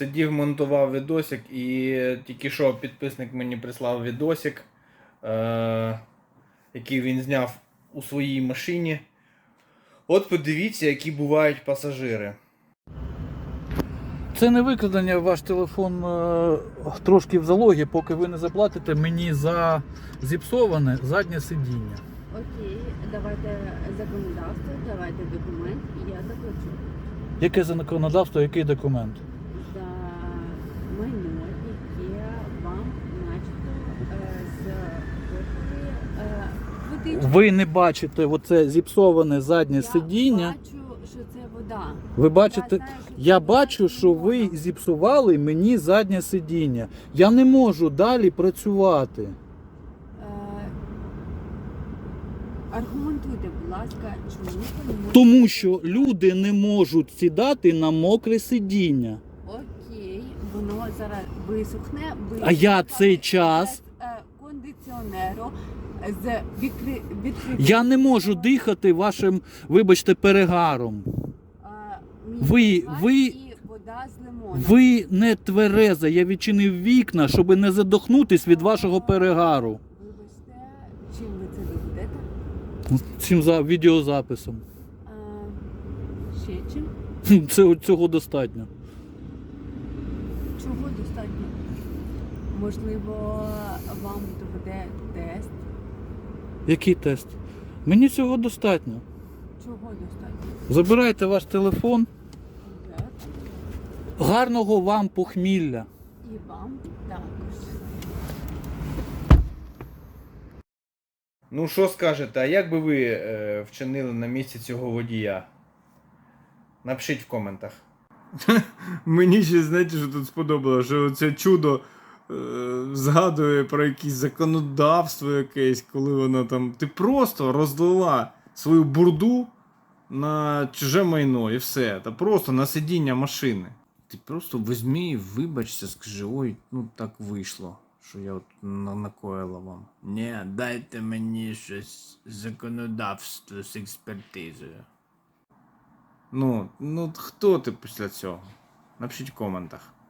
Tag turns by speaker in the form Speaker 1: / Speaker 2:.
Speaker 1: Сидів, монтував відосик і тільки що підписник мені прислав відосик, який він зняв у своїй машині. От подивіться, які бувають пасажири.
Speaker 2: Це не викрадення, ваш телефон трошки в залогі, поки ви не заплатите мені за зіпсоване заднє сидіння.
Speaker 3: Окей, давайте законодавство, давайте документ, і я заплачу.
Speaker 2: Яке законодавство, який документ?
Speaker 3: За майно, яке вам начебто з
Speaker 2: Ви не бачите оце зіпсоване заднє
Speaker 3: Я
Speaker 2: сидіння.
Speaker 3: бачу, що це вода.
Speaker 2: Ви бачите,
Speaker 3: знаю, що
Speaker 2: я
Speaker 3: це
Speaker 2: бачу, що ви
Speaker 3: вода.
Speaker 2: зіпсували мені заднє сидіння. Я не можу далі працювати.
Speaker 3: Аргументуйте, будь ласка, чому ви не можете...
Speaker 2: Тому що люди не можуть сідати на мокре сидіння.
Speaker 3: Окей, воно зараз висохне.
Speaker 2: А я цей час-
Speaker 3: без, кондиціонеру з відкритим...
Speaker 2: Я не можу дихати вашим, вибачте, перегаром. Ви-
Speaker 3: І вода з лимоном.
Speaker 2: Ви не твереза, я відчинив вікна, щоб не задохнутись від вашого перегару.
Speaker 3: Вибачте, чим ви це доведете?
Speaker 2: Цим відеозаписом.
Speaker 3: Ще чим?
Speaker 2: Цього достатньо.
Speaker 3: Чого достатньо? Можливо, вам доведе тест?
Speaker 2: Який тест? Мені цього достатньо.
Speaker 3: Чого достатньо?
Speaker 2: Забирайте ваш телефон.
Speaker 3: Так.
Speaker 2: Гарного вам похмілля.
Speaker 3: І вам також.
Speaker 1: Ну що скажете, а як би ви вчинили на місці цього водія? Напишіть в коментах. Мені ще, знаєте, що тут сподобалося, що це чудо згадує про якесь законодавство якесь, коли вона там... Ти просто розлила свою бурду на чуже майно і все. Та просто на сидіння машини. Ти просто візьми і вибачся, скажи, ой, ну так вийшло, що я от накоїла вам. Ні, дайте мені щось законодавство з експертизою. Ну хто ти після цього? Напишіть в коментах.